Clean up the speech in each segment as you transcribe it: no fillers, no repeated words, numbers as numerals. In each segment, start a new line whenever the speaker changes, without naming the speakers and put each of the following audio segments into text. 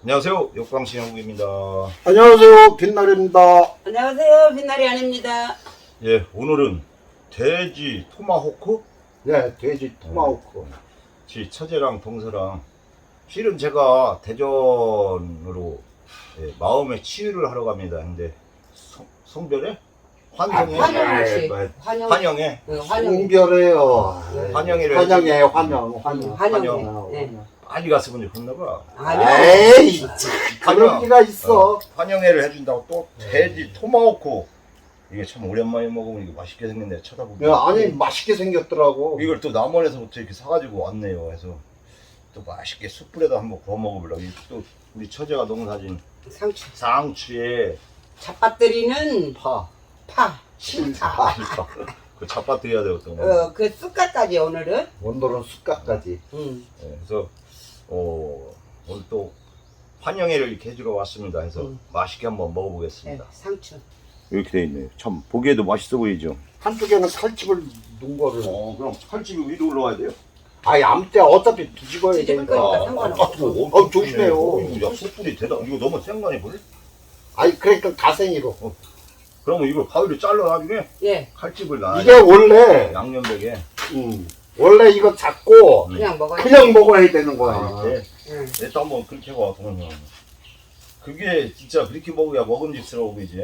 안녕하세요. 역광시 형국입니다.
안녕하세요, 빛날입니다.
안녕하세요. 빛날이 아닙니다.
예, 오늘은 돼지 토마호크?
네, 돼지 토마호크.
지 처제랑 동서랑 실은 제가 대전으로 마음의 치유를 하러 갑니다. 근데 성별에? 환성에?
환영을 씨.
환영에?
환영.
송별해요.
환영이래.
환영이에요, 환영.
환영. 네.
많이 갔으면 좋겠나봐.
아니요.
에이, 그런 리가 있어.
환영회를 해준다고 또 돼지 토마호크. 이게 참 오랜만에 먹으면 이게 맛있게 생겼네. 쳐다보면.
야, 아니, 맛있게 생겼더라고.
이걸 또 남원에서부터 이렇게 사가지고 왔네요. 그래서 또 맛있게 숯불에다 한번 구워 먹어보려고. 또 우리 처제가 농사진
상추.
상추에
잡밭들이는
파.
실파.
그 잡아드려야 되거든.
그 쑥갓까지 오늘은.
원도는 숟가까지.
그래서 오늘 또 환영회를 이렇게 해주러 왔습니다. 해서 맛있게 한번 먹어보겠습니다.
네, 상추.
이렇게 돼 있네요. 참 보기에도 맛있어 보이죠.
한쪽에는 칼집을 놓은 거를.
그럼 칼집이 위로 올라와야 돼요.
아니, 아무 때 어차피 뒤집어야
뒤집을
되니까.
거니까 상관없어.
조심해요.
야, 숯불이 대단. 이거 너무 센 거 아니야,
아니, 그러니까 가생이로.
그러면 이걸 가위로 잘라 나중에
예.
칼집을 놔야
이게 원래,
양념백에
원래 이거 잡고
그냥 먹어야
그냥 먹어야 되는 거야.
이렇게 또 한번 그렇게 해봐. 그러면 그게 진짜 그렇게 먹어야 먹음직스러워 보이지.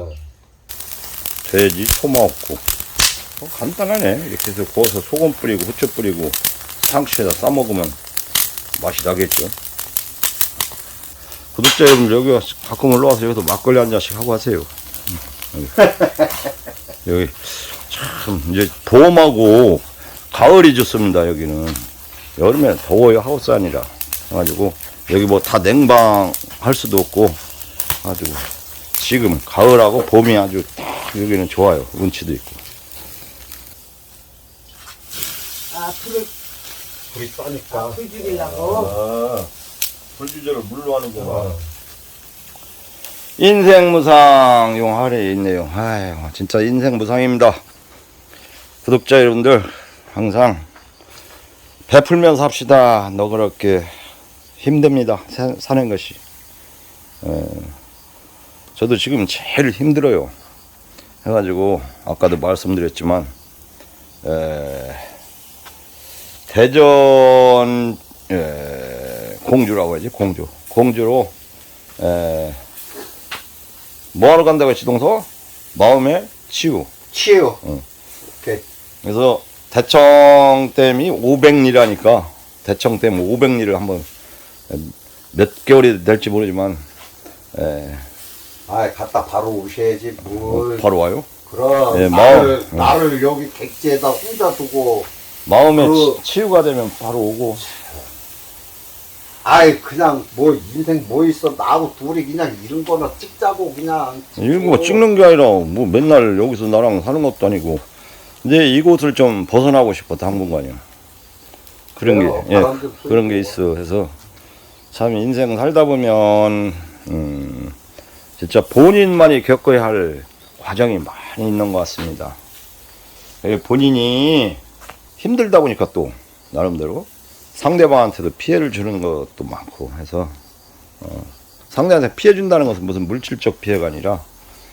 돼지 토마호크 간단하네. 이렇게 해서 구워서 소금 뿌리고 후추 뿌리고 상추에다 싸 먹으면 맛이 나겠죠. 구독자 여러분, 여기 가끔 올라와서 여기서 막걸리 한 잔씩 하고 하세요. 여기 참 이제 봄하고 가을이 좋습니다. 여기는 여름에 더워요. 하우스 아니라 그래가지고 여기 뭐 다 냉방 할 수도 없고 아주 지금 가을하고 봄이 아주 딱 여기는 좋아요. 운치도 있고.
불이 싸니까.
불 죽이려고.
불 주제를 물로 하는구나. 인생무상 용 아래에 있네요. 아유, 진짜 인생무상입니다. 구독자 여러분들 항상 베풀면서 합시다. 너그럽게 힘듭니다. 사는 것이. 저도 지금 제일 힘들어요. 해가지고 아까도 말씀드렸지만 대전 공주라고 해야지. 공주로 뭐하러 간다고 했지 동서? 마음의 치유.
오케이.
그래서 대청댐이 500리라니까 대청댐 500리를 한번 몇 개월이 될지 모르지만
갔다 바로 오셔야지 뭘.
바로 와요.
그럼
예,
나를 여기 객지에다 혼자 두고.
마음의 치유가 되면 바로 오고.
그냥 뭐 인생 뭐 있어. 나하고 둘이 그냥 이런 거나 찍자고 그냥.
이거 뭐 찍는 게 아니라 뭐 맨날 여기서 나랑 사는 것도 아니고 이제 이곳을 좀 벗어나고 싶어. 당분간이요. 그런 게 있어. 해서 참 인생 살다 보면 진짜 본인만이 겪어야 할 과정이 많이 있는 것 같습니다. 본인이 힘들다 보니까 또 나름대로 상대방한테도 피해를 주는 것도 많고 해서 상대한테 피해 준다는 것은 무슨 물질적 피해가 아니라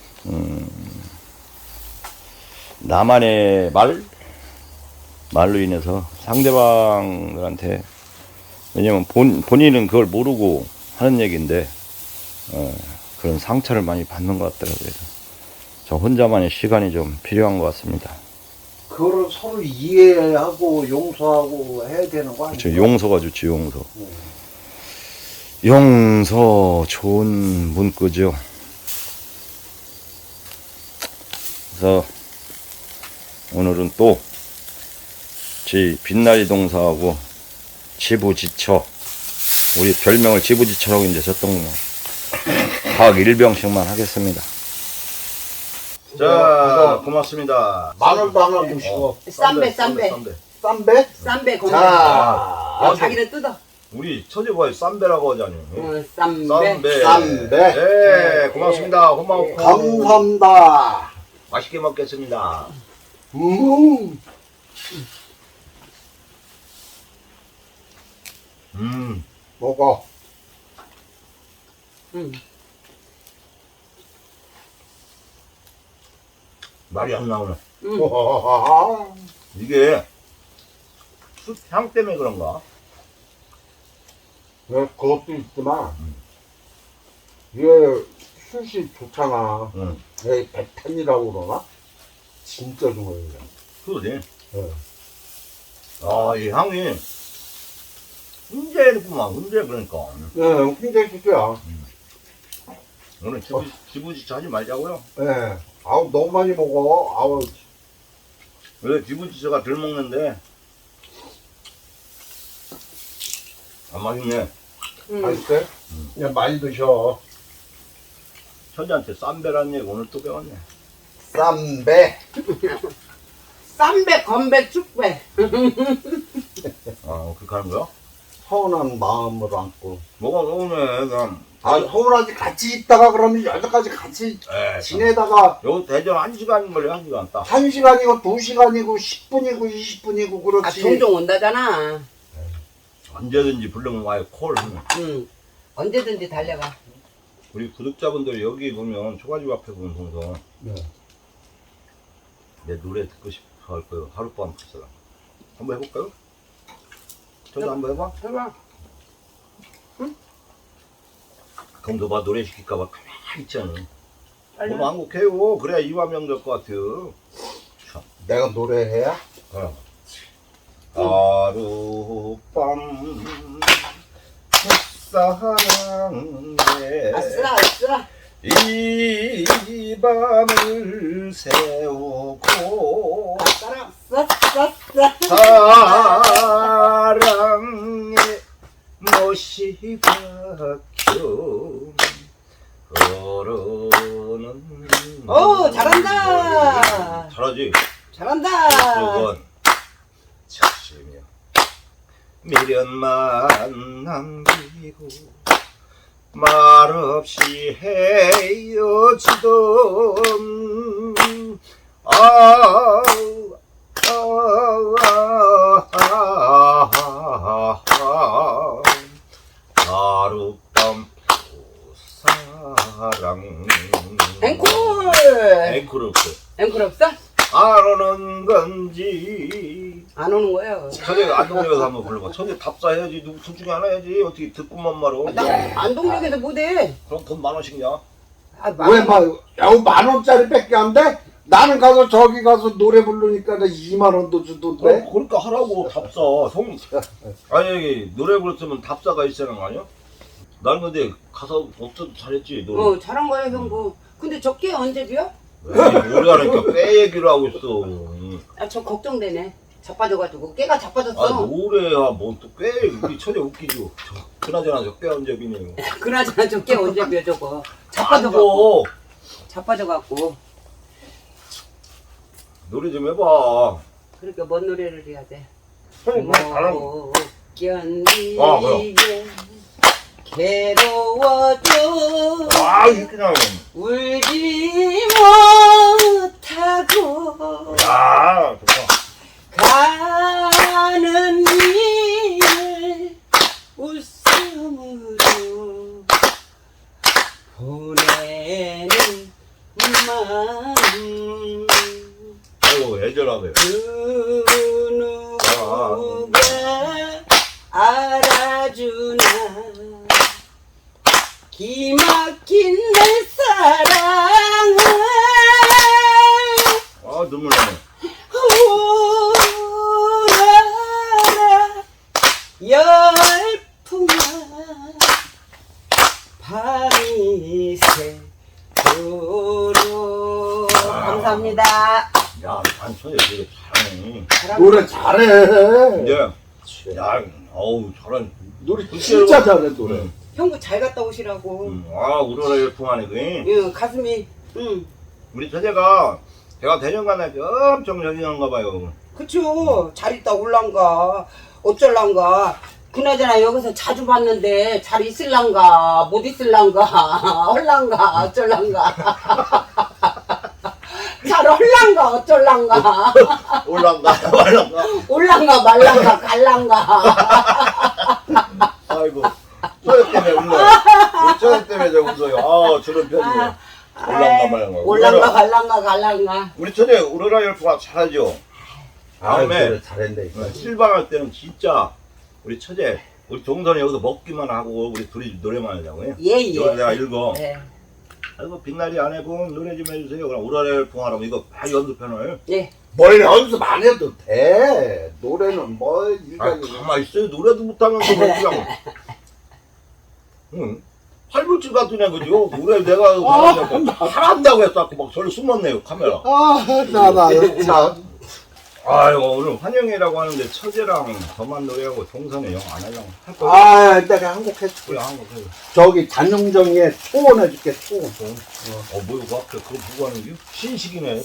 나만의 말로 인해서 상대방들한테, 왜냐면 본인은 그걸 모르고 하는 얘기인데 그런 상처를 많이 받는 것 같더라고요. 그래서 저 혼자만의 시간이 좀 필요한 것 같습니다.
그거를 서로 이해하고 용서하고 해야 되는 거 아니야?
그렇죠. 용서가 좋지. 용서 좋은 문구죠. 그래서 오늘은 또 빛나리 동사하고 지부지처, 우리 별명을 지부지처라고 이제 졌던 각 1병씩만 하겠습니다. 자, 고맙습니다.
마늘도 하나 주시고.
쌈배.
쌈배?
공주.
자,
자기는 뜯어.
우리 처제가 쌈배라고 하잖아요.
쌈배.
네, 고맙습니다. 고마워.
감사합니다.
맛있게 먹겠습니다.
먹어.
응.
말이 안 나오네.
응.
이게 숯향 때문에 그런가?
네, 그것도 있지만 이게 숯이 좋잖아.
응.
이 백탄이라고 그러나? 진짜 좋아요. 이거.
그러지.
네.
아, 이 향이 훈제구만, 훈제 그러니까.
네, 굉장히 좋죠.
오늘 지부지치 하지 말자고요.
네. 아우, 너무 많이 먹어. 아우,
왜 지부지치가 덜 먹는데 안 맛있네.
응.
맛있어요? 그냥 많이 드셔.
천지한테 쌈배란 얘기 오늘 또 배웠네.
쌈배.
쌈배, 건배, 축배.
아, 그렇게 하는 거야?
서운한 마음으로 안고.
뭐가 오네, 그냥.
아, 서운하지 같이 있다가 그러면 여기까지 같이
에,
지내다가
여기 대전 1시간 걸려, 1시간 딱.
1시간이고 2시간이고 10분이고 20분이고
아,
그렇지.
종종 온다잖아.
언제든지 부르면 와요, 콜.
응. 언제든지 달려가.
우리 구독자분들 여기 보면 초가집 앞에 보면 동서
네.
내 노래 듣고 싶어 할 거예요. 하룻밤 불사라. 한번 해볼까요? 저도 한번 해봐.
해봐.
그럼 봐 노래 시킬까봐 가만히 있잖아.
빨리.
오늘 한곡 해요. 그래야 이화명 될 것 같아요.
내가 노래해야?
하룻밤 햇사랑에
아싸, 아싸.
이 밤을 세우고
아싸랑, 싸싸싸.
사랑에 못이 박혀 걸어오는
오, 잘한다.
잘하지?
잘한다.
그건 착시며 미련만 남기고 말없이 헤어지던 하룻밤 사랑
앵콜.
앵콜 없어.
앵콜 없어?
안 오는 건지
안 오는 거예요.
천에 안동역에서 한번 불러봐. 천에 답사해야지. 누구 둘 중에 하나 해야지. 어떻게 듣고만 말어.
나 안동역에서 못해.
그럼 돈 10,000원씩 냐?
아,
왜 막, 야, 10,000원짜리 밖에 안 돼? 나는 가서 저기 가서 노래 부르니까 나 2만원도 주던데?
그러니까 하라고 답사. 아니 여기 노래 부르면 답사가 있어야 하는 거 아니야? 나는 근데 가서 없어도 잘했지. 노래.
잘한 거야, 형부. 근데 저게 언제 비어?
노래 하니까 꽤 얘기를 하고 있어.
아, 저 걱정되네. 자빠져가지고. 깨가 자빠졌어.
아 노래야 뭐 또 꽤 우리 천에 웃기죠. 그나저나 저 꽤 언제 비네요.
그나저나 저게 언제 비어, 저거.
안
자빠져갖고.
줘.
자빠져갖고.
노래 좀 해봐.
그러니까 뭔 노래를 해야 돼?
형이 뭐 잘하는
못 견디게
아, 그럼.
괴로워도
이렇게 나오네.
울지 못하고
야, 좋다.
가는 길 웃음으로 보내는 마음
아이고, 애절하네.
그 누구가 알아주나 기막힌 내 사랑을
눈물 나네.
우라라 열풍아 밤이 새도록 감사합니다.
야, 반천이 되게 잘하네.
노래 잘해.
근데, 야, 어우, 잘하네.
노래 진짜 잘해, 노래.
형부 잘 갔다 오시라고.
우러러 열풍하네, 그게.
응, 가슴이. 응.
우리 처제가, 제가 대전 가나 엄청 열리는가 봐요.
그쵸. 잘 있다 올란가. 어쩔란가. 그나저나 여기서 자주 봤는데 잘 있을란가. 못 있을란가. 헐란가. 어쩔란가. 잘 헐란가. 어쩔란가.
올란가, 말란가.
올란가 말란가 갈란가.
아이고, 처제 때문에 울려. 우리 처제 때문에 저 웃어요. 아 저런 편이에요. 올랑가 말랑가.
올랑가 갈랑가 갈랑가.
우리 처제 우러라 열풍아 잘하죠. 다음에
그래, 잘했네.
실방할 때는 진짜 우리 처제 우리 동선이 여기서 먹기만 하고 우리 둘이 노래만 하자고요.
예
이거
예.
내가 읽어.
예.
아이고 빛나리 아내분 노래 좀 해주세요. 그럼 우러라 열풍하라고 이거 다 연습편을.
예.
뭘 연습 안 해도 돼. 노래는 뭐
아
일각이.
가만 있어요. 노래도 못하면서 뭐 그냥. 응. 팔불집 같은 애 그죠? 노래 내가 잘한다고 해서 자꾸 막 저를 숨었네요 카메라.
나나 참.
아이고 오늘 환영회라고 하는데 처제랑 저만 노래하고 동선에 영 안 하려고 할 거야.
아, 내가 한곡 해줄게.
그래 한국 해요.
저기 잔용정에 초원 해줄게, 초원.
뭐야 그 앞에 그거 보고 하는 게 신식이네.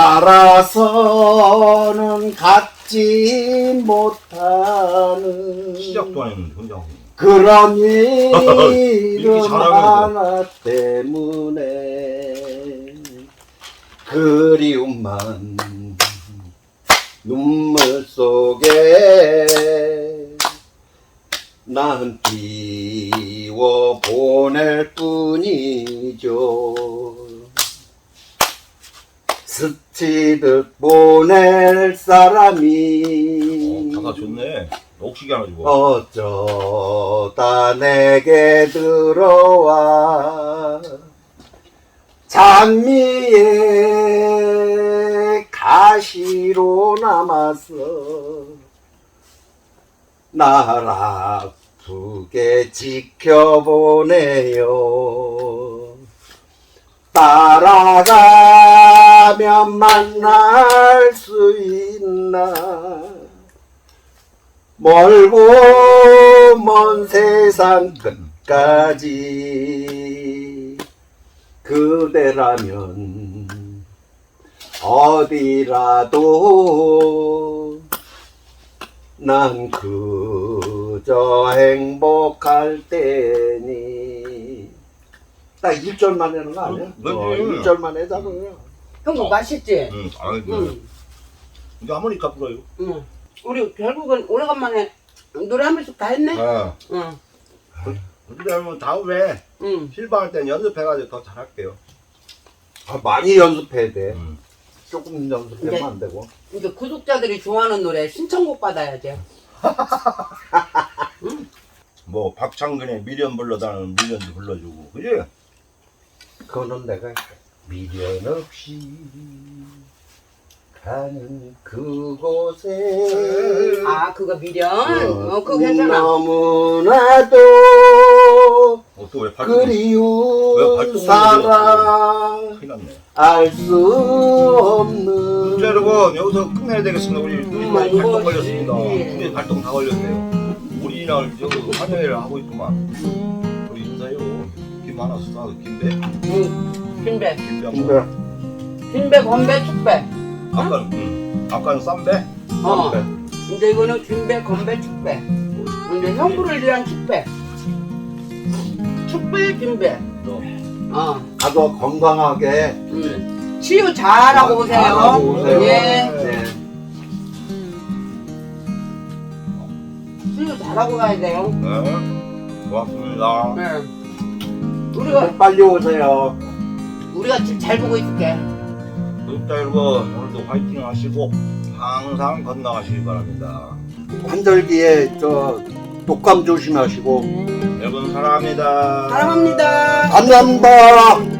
살아서는 갖지 못하는
시작도 안 했는데 혼자 하고.
그런
이렇게
일은
잘하면서.
하나 때문에 그리움만 눈물 속에 난 띄워 보낼 뿐이죠. 스치듯 보낼 사람이
가사 좋네. 옥식이 하나 주고.
어쩌다 내게 들어와 장미의 가시로 남아서 날 아프게 지켜보네요. 따라가면 만날 수 있나 멀고 먼 세상 끝까지 그대라면 어디라도 난 그저 행복할 테니 딱 1절만 하는 거 아니야?
그치.
1절만 해자 그냥.
형도 맛있지?
응. 아이고.
응.
이제 하모니카 불어요.
응. 우리 결국은 오래간만에 노래 한 번씩 다 했네?
아.
응.
그러면 다음에
응.
실방할 때는 연습해가지고 더 잘할게요.
아, 많이 연습해야 돼.
응.
조금 연습하면
이제-
안 되고.
이제 구독자들이 좋아하는 노래 신청곡 받아야 돼.
뭐 박창근의 미련 불러다는 미련도 불러주고 그지?
그거는 내가 미련 없이 가는 그곳에
아, 그거 미련? 그거 괜찮아.
너무나도
또 왜 발동? 왜
그리운
발동을
사랑
큰일 났네.
알 수 없는
자 여러분 여기서 끝내야 되겠습니다. 우리 발동
이거
걸렸습니다.
예.
우리 발동 다 걸렸네요. 우리날 저기 환영회를 하고 있구만. 우리 인사요. 김 하나 써. 김배?
응. 빈배.
김배 한
근데
번.
빈배, 건배, 축배.
아까는 쌈배?
어. 이제 이거는 빈배, 건배, 축배. 이제 형부를 위한 축배. 축배, 빈배.
너.
가도 건강하게
치유 잘하고 오세요.
잘하고 오세요.
예.
네.
치유 잘하고 가야 돼요.
네. 고맙습니다.
네. 우리가
빨리 오세요.
집 잘 보고 있을게.
구독자 여러분 오늘도 화이팅 하시고 항상 건강하시기 바랍니다.
환절기에 저 독감 조심하시고
여러분 사랑합니다.
사랑합니다.
감사합니다.